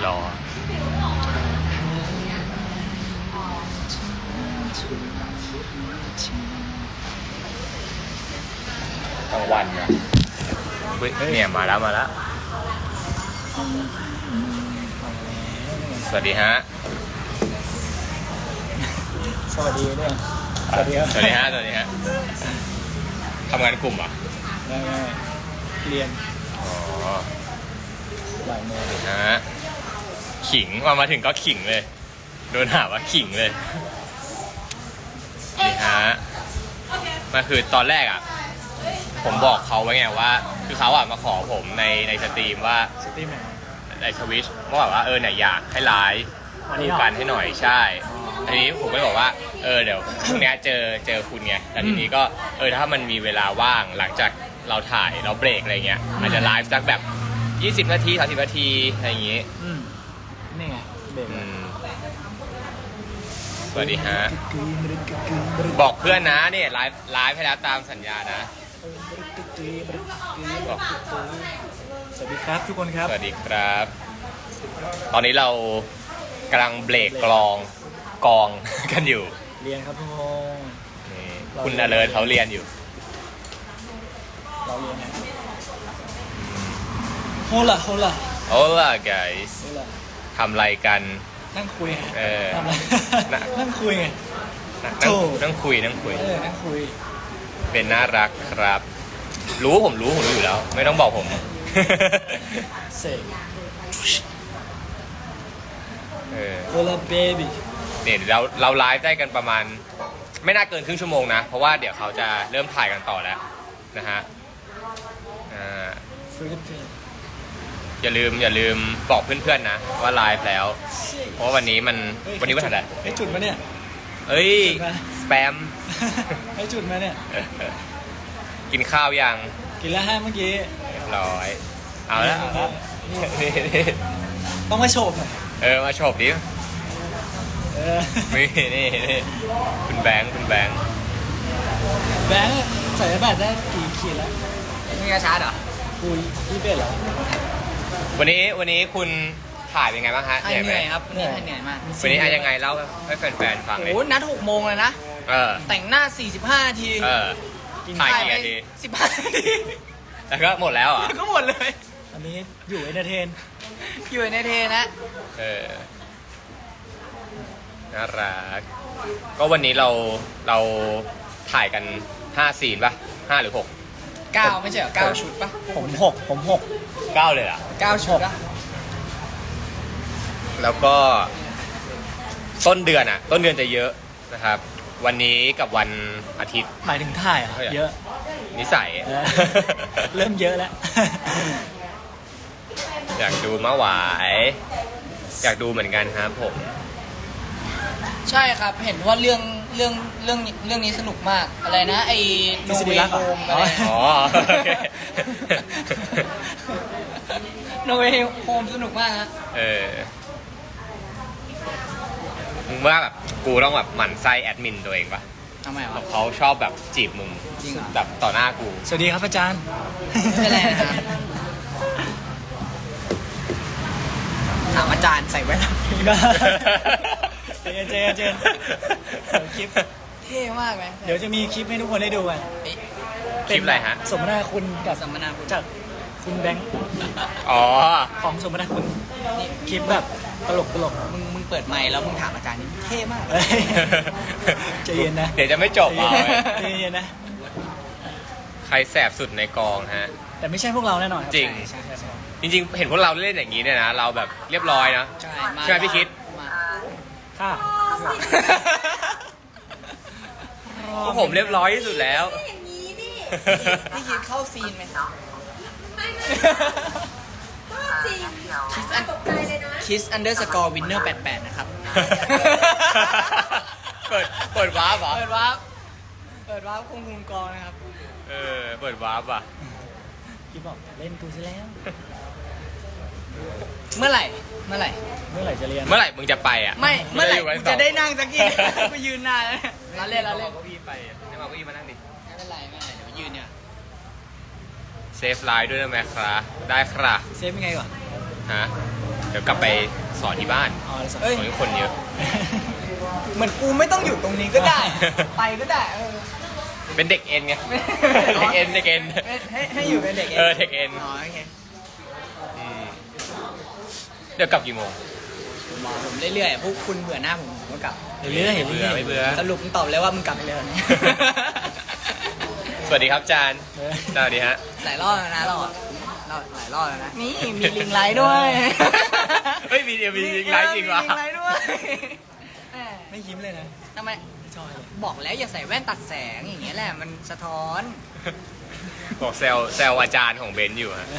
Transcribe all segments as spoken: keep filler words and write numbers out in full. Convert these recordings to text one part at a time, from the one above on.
รอ กลางวันนะเฮ้ยเนี่ยมาแล้วมาแล้ว สวัสดีฮะสวัสดีด้วยสวัสดีครับสวัสดีฮะ สวัสดีฮะ ทำงานกลุ่มเหรอ่ะได้ไงเรียนอ๋อบ่ายโมงฮะ ขิงมามาถึงก็ขิงเลย โดนหาว่าขิงเลยนี่ฮะมาคือตอนแรกอ่ะ ผมบอกเขาไว้ไงว่า คือเขาอ่ะมาขอผมในในสตรีมว่าสตรีมไหนในทวิชว่าแบบว่าเออไหนอยากให้ไลฟ์วันนี้คู่เหรอกันให้หน่อยใช่ทีนี้ผมก็เลยบอกว่าเออเดี๋ยวพรุ่งนี้เจอเจอคุณไงแต่ทีนี้ก็เออถ้ามันมีเวลาว่างหลังจากเราถ่ายเราเบรกอะไรเงี้ยอาจจะไลฟ์สักแบบยี่สิบนาทีสามสิบนาทีอะไรอย่างงี้อืมนี่ไงเบรกอืมสวัสดีฮะบอกเพื่อนนะเนี่ยไลฟ์ไลฟ์ให้แล้วตามสัญญานะบอกสวัสดีครับทุกคนครับสวัสดีครับ ตอนนี้เรากำลังเบรกกลองกอง กันอยู่เรียนครับทุกคนนี่คุณอเลิร์เขาเรียนอยู่เราเรียนนะโฮล่ะโฮล่ะ Hola guys โฮล่ะทำอะไรกันนั่งคุยไงเออทำอะไรน่ะนั่งคุยไงนั่งโถ่นั่งคุยนั่งคุยเออนั่งคุยเป็นน่ารักครับ รู้ผมรู้ผมรู้อยู่แล้ว ไม่ต้องบอกผมเสกเออโฮล่ะเบบี้เนี่ยเราเราไลฟ์ได้กันประมาณ ไม่น่าเกินครึ่งชั่วโมงนะ เพราะว่าเดี๋ยวเขาจะเริ่มถ่ายกันต่อแล้วนะฮะอ่าฟิลิปปินส์อย่าลืมอย่าลืมบอกเพื่อนๆนะว่าไลฟ์แล้ว เพราะว่าวันนี้มันเฮ้ยวันนี้วันอะไรให้จุดมาเนี่ยเอ้ยจุดมาสแปมให้จุดมาเนี่ยกินข้าวยังกินแล้วฮะเมื่อกี้เรียบร้อย เอาแล้วเอาแล้วนี่นี่ต้องมาโฉบหน่อยเออมาโฉบดิเออนี่นี่นี่คุณแบงค์คุณแบงค์แบงค์ใส่แบตได้กี่ขีดแล้วมึงจะชาร์จเหรอกูยี่สิบเอ็ดแล้ววันนี้วันนี้คุณถ่ายเป็นไงบ้างฮะให้เหนื่อยเหไหมนื่อยครับวันนี้ให้เหนื่อยมากวันนี้อะยังไงเล่าให้แฟนๆฟังเลยโอ้โหนัดหกโมงเลยนะเออแต่งหน้าสี่สิบห้านาทีเออ ถ่ายกี่นาทีสิบห้านาทีแล้วก็หมดแล้วเหรอ่ะแล้วก็หมดเลยอันนี้อยู่เอนเตอร์เทนอยู่ในเทนะเออน่ารักก็วันนี้เราเราถ่ายกันห้าซีนป่ะห้าหรือหกเก้าไม่ใช่เหรอเก้าชุดปะผมหกผมหกเก้าเลยเหรอ่ะเก้าชุดอะแล้วก็ต้นเดือนอ่ะ ต้นเดือนจะเยอะนะครับ วันนี้กับวันอาทิตย์หมายถึงถ่ายเหรอ่ะเยอะนิสัยเออเริ่มเยอะแล้วอยากดูมะหวาย อยากดูเหมือนกันครับผมใช่ครับ เห็นว่าเรื่องเรื่องเรื่องเรื่องนี้สนุกมาก อะไรนะ ไอ้โนทฤษฎีเวรักเหรอโฮมอะไรอ๋อโอเคโนเวโฮมสนุกมากฮะเออมึงว่าแบบกูต้องแบบหมั่นไส้แอดมินตัวเองปะทำไมแบวะบเขาชอบแบบจีบมึงจริงเหรอแบบต่อหน้ากูสวัสดีครับอาจารย์ไม่เป็นไรนะครับ ถามอาจารย์ใส่แว่นเจนเจนเจนเดี๋ยวคลิปเท่มากไหมเดี๋ยวจะมีคลิปให้ทุกคนได้ดูกันเอ๊ะคลิปอะไรฮะสมนาคุณกับสัมมนาคุณจากคุณแบงค์อ๋อของสมนาคุณนี่คลิปแบบตลกตลกมึงมึงเปิดไมค์แล้วมึงถามอาจารย์นี่เท่มากเฮ้ยใจเย็นนะเดี๋ยวจะไม่จบใจเอาเย็นไว้ใจเย็นนะใครแสบสุดในกองฮะแต่ไม่ใช่พวกเราแน่นอนคบจริงใช่ใช่ใช่จริงๆ เห็นพวกเราเล่นอย่างนี้เนี่ยนะ เราแบบเรียบร้อยนะใช่มาใช่ไหมพี่คิดมาค่ะพวกผมเรียบร้อยที่สุดแล้วอย่างนี้ดิพี่คิดเข้าซีนไหมไม่ไม่ก็จริงคิสอันตกใจเลยนะคิสอันเดอร์สกอร์วินเนอร์แปดแปดนะครับเปิดเปิดวาร์ปเหรอเปิดวาร์ปเปิดวาร์ปคงคุมกองนะครับเออ เปิดวาร์ปอ่ะคลิปบอกเล่นกูซะแล้วเมื่อไหร่ เมื่อไหร่เมื่อไหร่จะเรียนเมื่อไหร่มึงจะไปอ่ะไม่ เมื่อไหร่งกูจะได้นั่งสักทีกูยืนนานแล้วเนี่ยเราเล่นเราเล่นเก้าอี้ไปให้มาเก้าอี้มานั่งดิไม่เป็นไรไม่เป็นไรเดี๋ยวยืนเนี่ยเซฟไลน์ด้วยนะแม่ครับได้ครับเซฟยังไงก่อนฮะเดี๋ยวกลับไปสอนที่บ้านอ๋อเลยสอนเอ้ยสอนทุกคนเยอะเหมือนกูไม่ต้องอยู่ตรงนี้ก็ได้ ไปก็ได้เออเป็นเด็กเอ็นไง เด็กเอ็นเด็กเอ็นให้ให้อยู่เป็นเด็กเออเด็กเอ็นอ๋อโอเคอืมเดี๋ยวกลับกี่โมงผมบอกผมเรื่อยๆพวกคุณเบื่อหน้าผมผมก็กลับเรื่อยๆไม่เบื่อไม่เบื่อสรุปมึงตอบเลยว่ามึงกลับไปเลยวันนี้สวัสดีครับจานเออสวัสดีฮะหลายรอบแล้วนะเราอะเราหลายรอบแล้วนะนี่มีลิงไลท์ด้วยเฮ้ยมีเดียวมีลิงไลท์จริงวะมีลิงไลท์ด้วยแหมไม่ยิ้มเลยนะทำไมไม่ชอบเลยบอกแล้วอย่าใส่แว่นตัดแสงอย่างเงี้ยแหละมันสะท้อนบอกแซวแซวอาจารย์ของเบนซ์อยู่ฮะ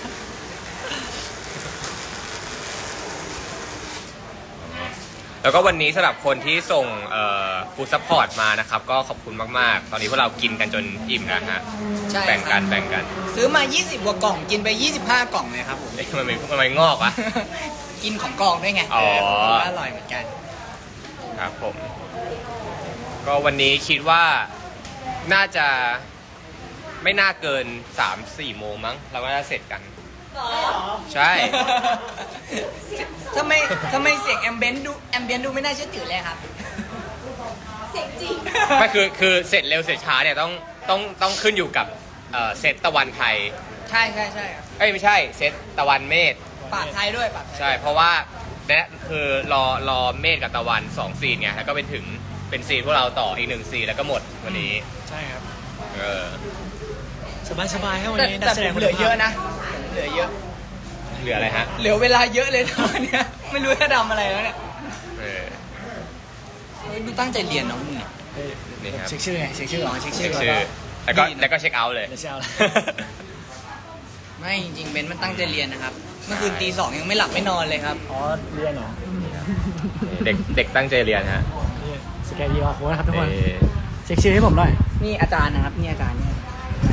แล้วก็วันนี้สำหรับคนที่ส่งฟู้ดซัพพอร์ตมานะครับ ก็ขอบคุณมากๆ ตอนนี้พวกเรากินกันจนอิ่มแล้วฮะใช่แบ่งคกัรันบแบ่งกันซื้อมา ยี่สิบกว่ากล่องกินไป ยี่สิบห้ากล่องเลยครับผมเอ๊ะมันไม่มันไม่งอกวะกินของกล่องด้วยไงอ๋อเผมว่าอร่อยเหมือนกันครับผม ก็วันนี้คิดว่าน่าจะไม่น่าเกิน สามสี่ โมงมั้ง เราก็จะเสร็จกัน ใช่ทำไมทำไมเสียงแอมเบนดูแอมเบนดูไม่น่าเชื่อถือเลยครับเสียงจริงไม่คือคือเสร็จเร็วเสร็จช้าเนี่ยต้องต้องต้องขึ้นอยู่กับเอ่อเซตตะวันไทยใช่ใช่ใช่ครับเอ้ยไม่ใช่เซตตะวันเมษปากไทยด้วยปากไทยใช่ เพราะว่าเนี่ยคือรอรอเมษกับตะวันสองซีนไงแล้วก็เป็นถึงเป็นซีนพวกเราต่ออีกหนึ่งซีนแล้วก็หมดวันนี้ใช่ครับเออสบายสบายๆครับวันแต่นี้แต่นักแสผดงมคุณเหลือภาพเยอะนะผมเหลือเยอะเหลืออะไรฮะเหลือเวลาเยอะเลยนะวันเนี้ยไม่รู้จะทำอะไรแล้วเนี่ยเออเฮ้ยดูตั้งใจเรียนเนาะมึงเนี่ยเฮ้ยนี่ครับเช็คชื่อไงเช็คชื่ออ๋อเช็คชื่เช็คชื่อแล้วก็ดีนะแล้วก็เช็คเอาท์เลยเดี๋ยวเช้าละไม่จริงๆเบนมันตั้งใจเรียนนะครับ เมื่อคืนตีสองยังไม่หลับไม่นอนเลยครับอ๋อเรียนเหรอเด็กเด็กตั้งใจเรียนฮะนี่สแกนดีออโค้ดนะครับทุกคนเออเช็คชื่อให้ผมหน่อยนี่อาจารย์นะครับนี่อาจารย์เนี่ย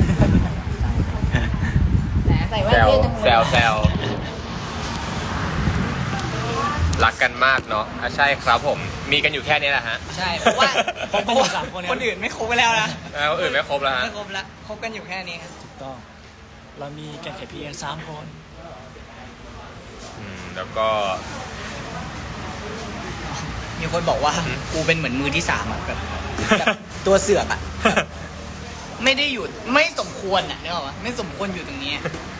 แหมใส่แว่แซนวเท่จังแซเลวย แซวรักกันมากเนาะอ่ะใช่ครับผม มีกันอยู่แค่นี้แหละฮะใช่เพราะว่าคบกันอยู่สามคนเนี่ยคนอื่นไม่คบไปแล้วนะแล้วคนอื่นไม่ครบแล้วฮะไม่คบแล้วคบกันอยู่แค่นี้ครับถูกต้อง เรามีแกนเขียนพีเอ็นสามคนอืมแล้วก็มีคนบอกว่าอืมกูเป็นเหมือนมือที่สามอะแบบแบบตัวเสือกอะแบบไม่ได้อยู่ไม่สมควรอะนึกออกปะไม่สมควรอยู่ตรงนี้อะ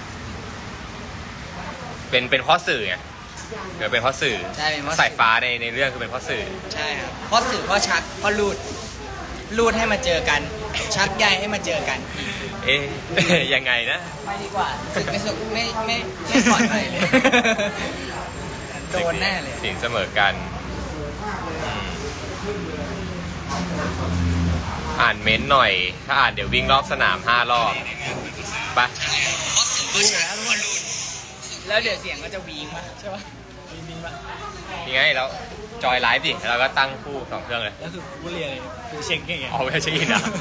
เป็นเป็นเพ่อสื่อไงเดี๋ยวเป็นเพ่อสื่อใช่เป็นเพราะสายฟ้าในในเรื่องคือเป็นเพ่อสื่อใช่ครับเพราะสื่อเพราะชักเพราะรูดรูดให้มาเจอกัน ชักใยให้มาเจอกันเอ๊ะ ยังไงนะไม่ดีกว่าสึกไม่สุกไม่ไม่ไม่ปลอดภัยเลย โดนแน่เลยสินเสมอกันอืมอ่านเม้นต์หน่อย ถ้าอ่านเดี๋ยววิ่งรอบสนามห้ารอบไปแล้วเดี๋ยวเสียงก็จะวีงมาใช่ปะบินบินปะยังไงแล้วจอยไลฟ์ดิแล้วเราก็ตั้งคู่สองเครื่องเลยแล้วคือกูเรียนอะไรคือเช็คอย่างเงี้ยเอาไปเช็คอินอ่ะ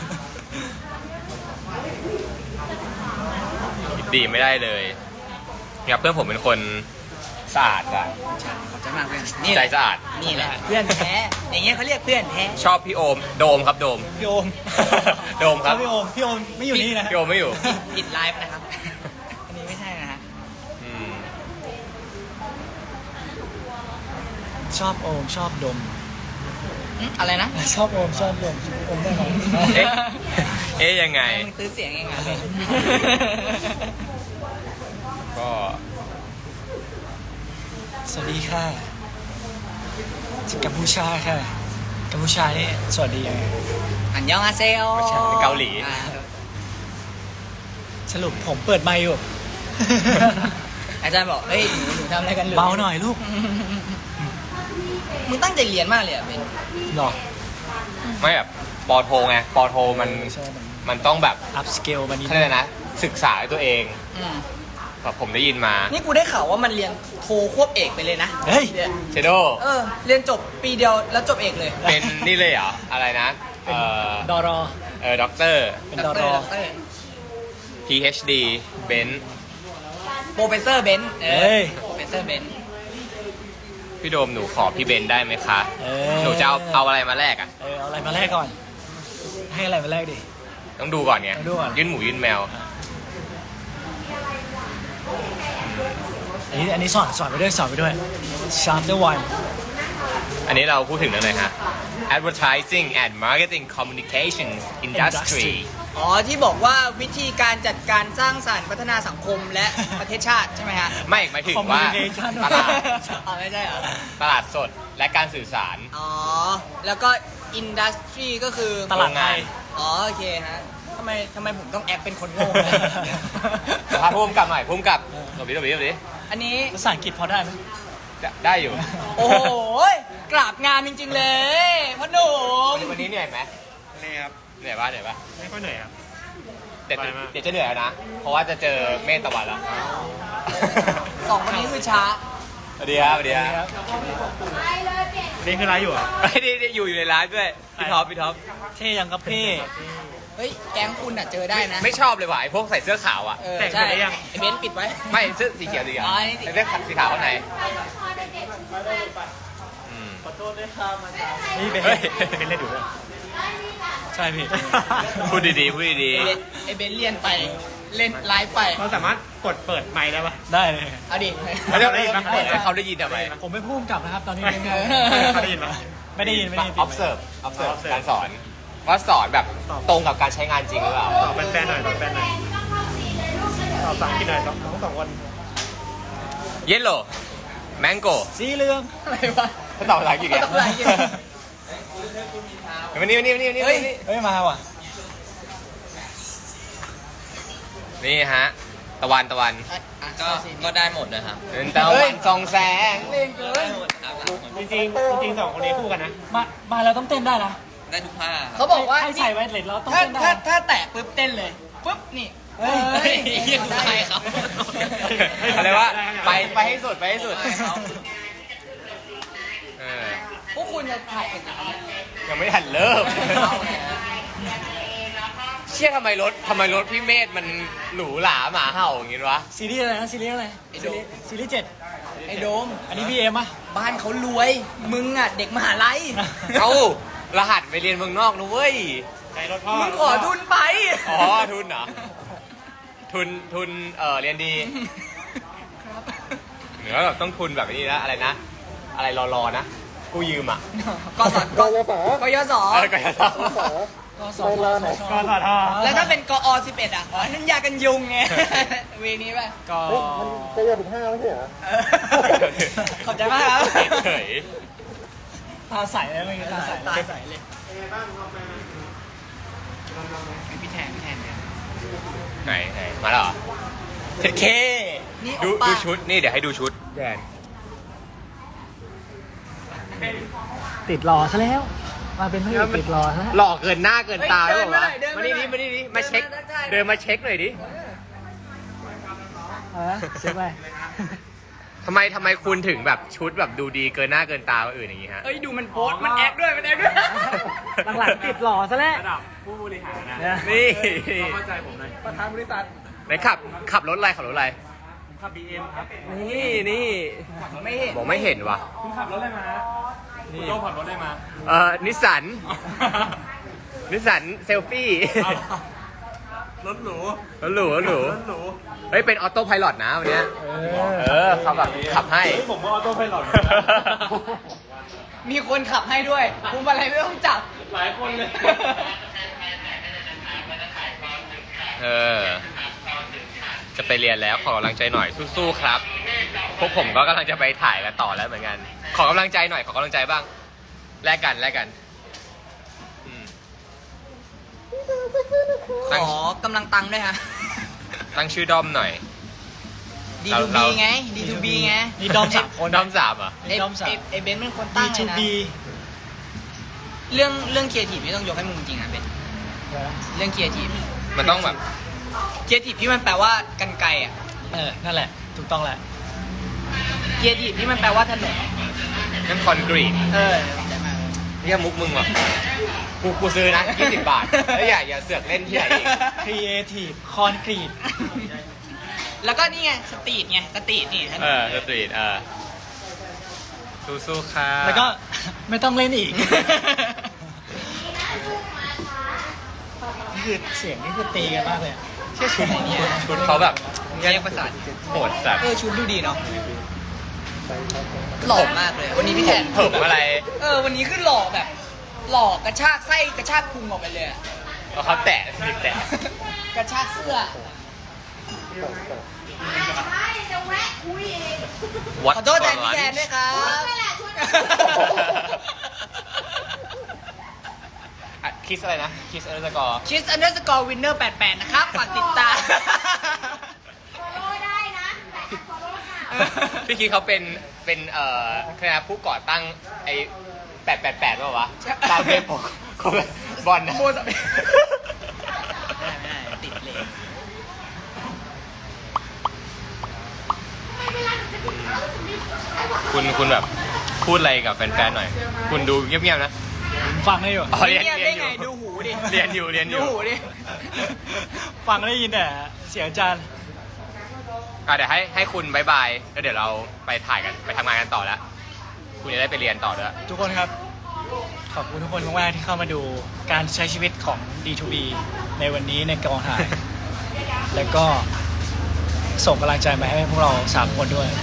คิดดีไม่ได้เลยเนี่ยเพื่อนผมเป็นคนสะอาดอะใช่ขอบใจมากเพื่อนนี่แหใจละสะอาดนี่แหละเพื่อนแท้อย่างเงี้ยเขาเรียกเพื่อนแท้ชอบพี่โอม โดมครับโดมพี่โอมโดมครับพี่โอมพี่โอมไม่อยู่นี่นะพี่โอมไม่อยู่ปิดไลฟ์นะครับ อันนี้ไม่ใช่นะฮะอืมชอบโอมชอบดมอืมอะไรนะชอบโอมชอบดมโอมได้ไหมเอ๊ะ เอ๊ะยังไงมึงตื้อเสียงยังไงก็สวัสดีค่ะจากกัมพูชาค่ะกัมพูชานี่สวัสดียังไงอันยองอาเซโอไม่ใช่เป็นเกาหลีอ่สรุปผมเปิดไมค์อยู่อาจารย์บอก เฮ้ย หนูหนูทำอะไรกันเลยเบาหน่อยลูกมึงตั้งใจเรียนมากเลยอ่ะเป็นหรอไม่แบบปอโทไงปอโทมันใช่มันมันต้องแบบอัพสเกลมานิดเขาเรียกอะไรนะ ศึกษาด้วยตัวเองอืมแบบผมได้ยินมานี่กูได้ข่าวว่ามันเรียนโทควบเอกไปเลยนะเฮ้ยนี่เชโดเออ เรียนจบปีเดียวแล้วจบเอกเลยเป็นนี่เลยเหรอ อะไรนะ เอ่อดอรอเออด็อกเตอร์เป็นดอรอพี เอช ดี เบนซ์โปรเฟสเซอร์เบนซ์เอเฮ้อย โปรเฟสเซอร์เบนซ์พี่โดมหนูขอพี่เบนซ์ได้ไหมคะเออหนูจะเอาเอาอะไรมาแลกอ่ะเออเอาอะไรมาแลกก่อน ให้อะไรมาแลกดิต้องดูก่อนไงต้องดูก่อนยื่นหมูยื่นแมวอันนี้อันนี้สอนสอนไปด้วยสอนไปด้วย chapter one อันนี้เราพูดถึงเรื่องอะไรฮะ advertising and marketing communications industry อ๋อที่บอกว่าวิธีการจัดการสร้างสรรค์พัฒนาสังคมและประเทศชาติใช่ไหมฮะไม่หมายถึงว่า Communication ตลาดอ๋อไม่ใช่เหรอตลาดสดและการสื่อสารอ๋อ แล้วก็อินดัสทรีก็คือตลาดไทยอ๋อโอเคฮะทำไมทำไมผมต้องแอคเป็นคนโง่สภาพพุ่มกับหน่อยพุ่มกับหลบดิหลบดิหลบดิอันนี้ภาษาอังกฤษพอได้ไหมได้อยู่โอ้โหกราบงามจริงๆเลยพ่อหนุ่มวันนี้เหนื่อยไหมนี่ครับเหนื่อยป่ะเหนื่อยป่ะไม่ค่อยเหนื่อยครับเดี๋ยวไปมากเดี๋ยวจะเหนื่อยแล้วนะ เพราะว่าจะเจอเมฆตะวันแล้วสองคนนี้คือช้าสวัสดีครับสวัสดีครับนี่คือไลฟ์อยู่เหรอ่ะไม่ได้ได้อยู่อยู่ในร้านด้วยพี่ท็อปพี่ท็อปเท่ยังครับพี่เฮ้ย แก๊งคุณอ่ะเจอได้นะไม่ชอบเลยว่ะไอ้พวกใส่เสื้อขาวอ่ะเออใช่ไอเบนซ์ปิดไว้ไม่เสื้อสีเขียวสีเขียวอ๋อนี่สีใส่เสื้อสีขาวข้างในอืมนี่เป็นเฮ้ยเป็นเล่นอยู่ด้วยใช่พี่พูดดีๆพูดดีไอเบนซ์ไอเบนซ์เรียนไปเล่นไลฟ์ไปเราสามารถกดเปิดไมค์ได้ปะได้เลยเอาดิๆเขาจะเปิดให้เขาได้ยินทำไมผมไม่พูดกลับนะครับ ตอนนี้เป็นไงเขาได้ยินปะไม่ได้ยินไม่ได้ยิน observe observe observe การสอน ว่าสอนแบบตรงกับการใช้งานจริงหรือเปล่าตอบแฟนๆหน่อยตอบแฟนๆหน่อยตอบภาษาอังกฤษหน่อยทั้งสองคน yellow mango สีเหลืองอะไรวะเขาตอบภาษาอังกฤษไงตอบภาษาอังกฤษวันนี้วันนี้วันนี้วันนี้เฮ้ยเฮ้ยมาว่ะนี่ฮะ ตะวันตะวันก็ก็ได้หมดนะครับเป็นตะวันส่องแสงเล่นเกินจริงๆจริงๆสองคนนี้คู่กันนะมา มาแล้วต้องเต้นได้นะได้ทุกผ้าเขาบอกว่าให้ใส่ไวเลสแล้วต้องถ้าเต้นได้ถ้าถ้าแตะปุ๊บเต้นเลยปุ๊บนี่เฮ้ยเฮ้ยใช่ครับอะไรวะไปไปให้สุดไปให้สุดเออพวกคุณจะถ่ายเสร็จยังยังไม่ทันเริ่ม เชี่ยทำไมรถทำไมรถพี่เมธมันหรูหราหมาเห่าอย่างงี้วะซีรีส์อะไรนะซีรีส์อะไรไอ้โดซีรีส์ซีรีส์เจ็ดไอ้โดมอันนี้บีเอ็มอ่ะบ้านเขารวย มึงอ่ะ เด็กมหาลัยเอ้ารหัสไปเรียนเมืองนอกนะเว้ยใจรถพ่อมึงขอทุนไปอ๋อ ทุนเหรอ ทุนทุนเออเรียนดีครับเหนือแบบต้องทุนแบบนี้นะอะไรนะ อะไรรอๆนะกู้ยืมอ่ะกสกกยศเออกยศก็สอนสอนก็ต่อท่อแล้วถ้าเป็นกอสิบเอ็ดอ่ะอ๋อนั่นยากันยุงไง เวนี้ป่ะก็จะเรียนถึงห้าไม่ใช่เหรอเออขอบใจมากครับเฉยตาใสเลยเมื่อกี้ตาใสตาใสเลยพี่แทนพี่แทนเนี่ยไหนไหนมาแล้วเหรอเทเคนี่ดูโอป้าดูชุดนี่เดี๋ยวให้ดูชุดแดนติดรอซะแล้ว มาเป็นพระเอกติดรอซะแล้วหล่อเกินหน้าเกินตาเฮ้แล้ยวเหรอวะเดินมามาหน่นี่อยดิมานี่ดิมาเช็คเดินมาได้เดินมาเช็คหน่อยดิเออเช็คไปทำไมทำไมคุณถึงแบบชุดแบบดูดีเกินหน้าเกินตาคนอื่นอย่างงี้ฮะเอ้ยดูมันโพสต์มันแอคด้วยมันแอคด้วยหลังๆติดหล่อซะแล้วระดับผู้บริหารนะเนี่ยนี่เข้าใจผมหน่อยประธานบริษัทไหนขับขับรถอะไรขับรถอะไรผมขับ บี เอ็ม ครับนี่นี่ไม่เห็นบอกไม่เห็นว่ะคุณขับรถอะไรมาคุณโจ้ขับรถอะไรมาเอ่อนิสสัน นิสสันเซลฟี่รถหรูรถหรูรถหรูรถหรูเฮ้ยเป็นออโต้ไพลอตนะวันเนี้ยเอเออเขาแบบขับให้เฮ้ยผมก็ออโต้ไพลอตมีคนขับให้ด้วยคุมอะไรไม่ต้องจับหลายคนเลยเออ จะไปเรียนแล้วขอกำลังใจหน่อยสู้ๆครับ พวกผมก็กำลังจะไปถ่ายกันต่อแล้วเหมือนกัน ขอกำลังใจหน่อยขอกำลังใจบ้าง แลกกันแลกกันอืมขอกำลังตังค์ด้วยฮะตั้งชื่อด้อมหน่อยดีเราทูเราบีไง ดีทูบีไงนี่ดอมสามคนด้อมสามเหรอ่ะไอ้ดอมสามไอ้ไอ้เบนซ์เป็นคนบีตั้งเลทูยนะบีเรื่องเรื่องครีเอทีฟไม่ต้องยกให้มึงจริงอ่ะเบนซ์เรื่องครีเอทีฟมันต้องแบบครีเอทีฟที่มันแปลว่ากันไกรอ่ะเออ นั่นแหละ ถูกต้องแหละครีเอทีฟที่มันแปลว่าถนนนั่นคอนกรีตเออใจมากเรียกมุกมึงว่ะกูกูซื้อนะยี่สิบบาทแล้วอย่าอย่าเสือกเล่นที่ไหนอีก Creative Concrete แล้วก็นี่ไงสตรีทไงสตรีทนี่ถนเอน อสตรีทเออสู้ๆค่ะแล้วก็ ไม่ต้องเล่นอีก นี่คือเสียงนี่คือตีกันมากเลยอะเชื่อชุดไหนเนี่ยชุดเขาแบบแยกประสาทโหดสัตว์เออชุดดูดีเนาะหล่อมากเลย วันนี้พี่แทนผมอะไรเออวันนี้คือหล่อแบบ หล่อกระชากไส้กระชากพุงออกไปเลยอะแล้วเขาแตะนิดแตะกระชากเสื้อใช่จะแวะคุยเองขอโทษแทนพี่แทนด้วยครับไม่แหละชวนอ่ะคิสอะไรนะ คิสเออร์สกอร์คิสอันเดอร์สกอร์วินเนอร์แปดแปดนะครับฝากติดตามฟอลโล่ได้นะแต่ฟอลโล่ค่ะพี่คิดเขาเป็น เป็น เอ่อคณะผู้ก่อตั้งไอ้แปดแปดแปดป่าววะใช่ตามเพจผมของบอลนะโมสไม่ได้ไม่ได้ติดเลยคุณคุณแบบพูดอะไรกับแฟนๆหน่อย คุณดูเงียบๆนะผมฟังได้อยู่อ๋อเรียนเนี่ยเรีได้ยนอไงยู่ดูหูดิเรียนอยู่เรียนอยู่ดูหูดิฟังได้ยินแต่เสียงอาจารย์อ่ะเดี๋ยวให้ให้คุณบายบาย แล้วเดี๋ยวเราไปถ่ายกัน ไปทำงานกันต่อแล้ว คุณจะได้ไปเรียนต่อด้วยทุกคนครับ ขอบคุณทุกคนมากๆที่เข้ามาดูการใช้ชีวิตของ ดี ทู บี ในวันนี้ในกองถ่าย แล้วก็ส่งกำลังใจมาให้พวกเราสามคนด้วย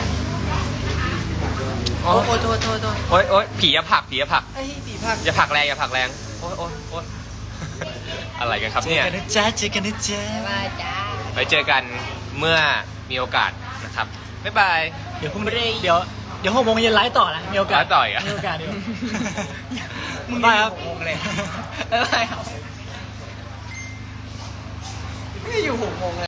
โอ้โหโทษโทษโทษโอ๊ยโอ๊ยผีอย่าผลักผีอย่าผลักไอ้ปีพักอย่าผลักแรงอย่าผลักแรง โอ๊ยโอ๊ยโอ๊ยอะไรกันครับเจอเนี่ยกันนะจ๊ะเจอกันนะจ๊ะมาจ้าไปเจอกันเมื่อมีโอกาสนะครับ บ๊ายบายเดี๋ยวพรุ่งนี้เดี๋ยวเดี๋ยวหกโมงเย็นไลฟ์ต่อนะมีโอกาสไลฟ์ต่ออีกเหรอมีโอกาสเดี๋ยวมึงบายครับอยู่หกโมงเลยบ๊ายบายครับไม่อยู่หกโมงเลย